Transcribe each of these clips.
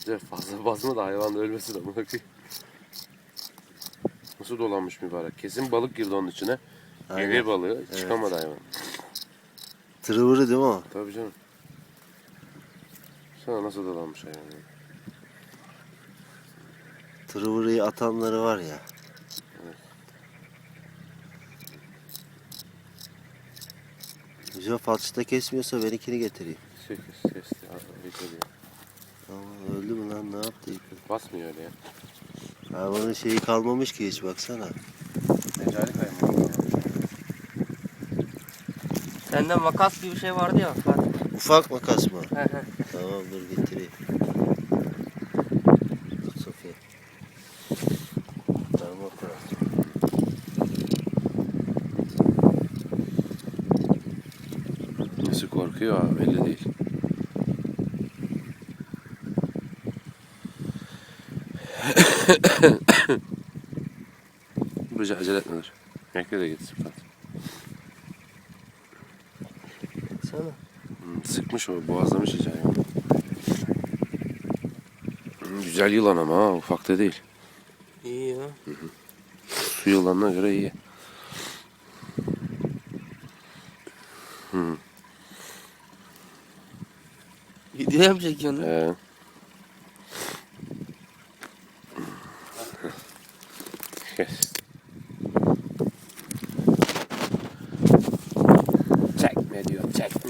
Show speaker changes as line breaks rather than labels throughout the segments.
İşte fazla basma da hayvan ölmesin amına koyayım. Nasıl dolanmış mübarek. Kesin balık girdi onun içine.
Aynen.
Gevir balığı.
Evet.
Çıkamadı hayvan.
Tırıvırı değil mi o?
Tabii canım. Sana nasıl dolanmış hayvan.
Tırıvırıyı atanları var ya.
Evet.
Güzel falçıda kesmiyorsa benimkini getireyim.
Kesti. Bekliyor.
Ama öldü mü lan, ne yaptı?
Basmıyor öyle ya.
Hayvanın şeyi kalmamış ki hiç, baksana.
Mecali kaymağı.
Sende makas gibi bir şey vardı ya Fatih.
Ufak makas mı?
He he.
Tamam, dur getireyim. Tut Sofya. Tamam, operasyon.
Nasıl korkuyor abi belli değil. Buraya acele etmeler. Bekle de gitsin Fatih.
Baksana.
Sıkmış o, boğazlamış iyice hayvanı. Güzel yılan ama ha, ufak da değil.
İyi ya.
Su yılanına göre iyi.
Video mu çekiyorsun?
Kes. Çekme diyor, çekme.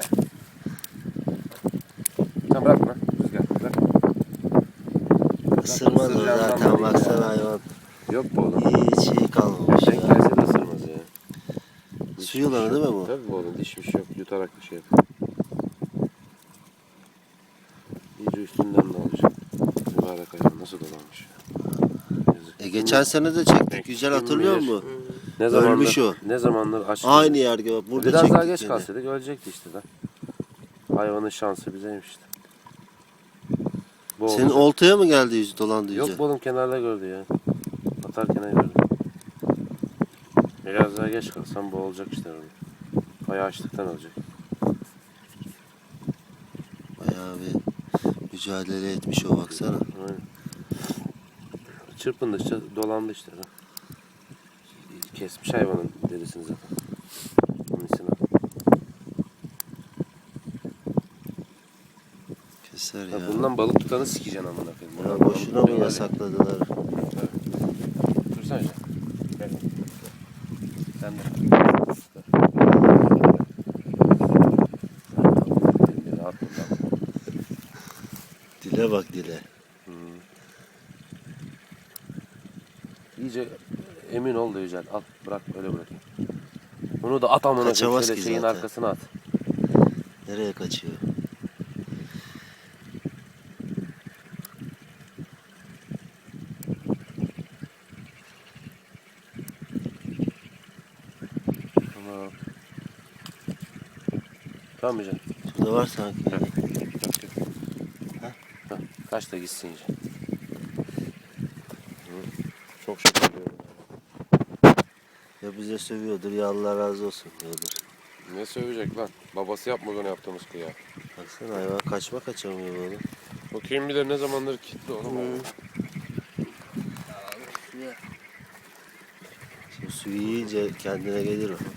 Tamam bırakma. Rüzgar bırak.
Isırmaz o
Isıracağından
zaten,
belli
baksana
ya.
hayvan.
Yok bu oğlum.
Hiç şey kalmamış
Denk
ya.
gelse de ısırmaz ya.
Su yılanı değil mi bu?
Tabii bu oğlum, dişmiş yok, yutarak bir şey yapıyor. İyice üstünden de alacak. Mübarek hayvan nasıl dolanmış ya. Yazık.
Geçen sene de çektik,
Kim
güzel hatırlıyor
bilir?
musun?
Ne zamandır,
Ölmüş o.
Ne zamandır aç.
Aynı yer gibi, burada
Biraz
çektik
daha geç
seni.
kalsaydık ölecekti işte de. Hayvanın şansı bizeymiş işte. Bu
Senin
olacak.
oltaya mı geldi yüzü, dolandı yüzü?
Yok bu oğlum kenarda gördü ya. Atarken gördü. Biraz daha geç kalsam bu olacak işte öyle. Ayağı açlıktan olacak.
Bayağı bir mücadele etmiş o, baksana.
Aynen. Çırpındıkça dolandı işte. Kesmiş hayvanın derisini zaten. Misina.
Keser
Ya
ya.
bundan balık tutanı sikeceksin amına koyayım.
Ya
Bundan
boşuna
balık
mı
tutuyorlar
yasakladılar?
ya. Dursana sen. Gel. Sen de. Elini rahat tut lan.
Dile bak, dile.
İyice emin ol da Yücel. Al bırak öyle bırakayım. Bunu da at amına koyayım.
Kaçamaz
Şöyle
ki
şeyin
zaten.
arkasına at.
Nereye kaçıyor?
Tamam. Tamam Yücel.
Şurada var sanki.
Yok, yok.
Ha?
Hah, kaç da gitsin Yücel. Çok şükür diyorum.
Ya bize sövüyordur ya Allah razı olsun diyordur.
Ne sövecek lan? Babası yapmaz onu yaptığımız kıya.
Baksana hayvan kaçamıyor böyle.
Bakayım bir de ne zamandır kilitli oğlum.
Şimdi suyu yiyince kendine gelir o.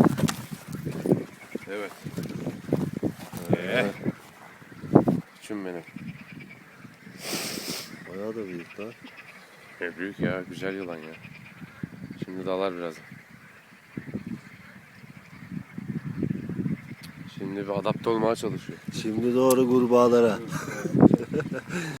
Evet.
Ha,
Küçüm benim.
bayağı da büyük lan.
Büyük ya, güzel yılan ya. Şimdi dalar biraz. Şimdi bir adapte olmaya çalışıyor.
Şimdi doğru kurbağalara.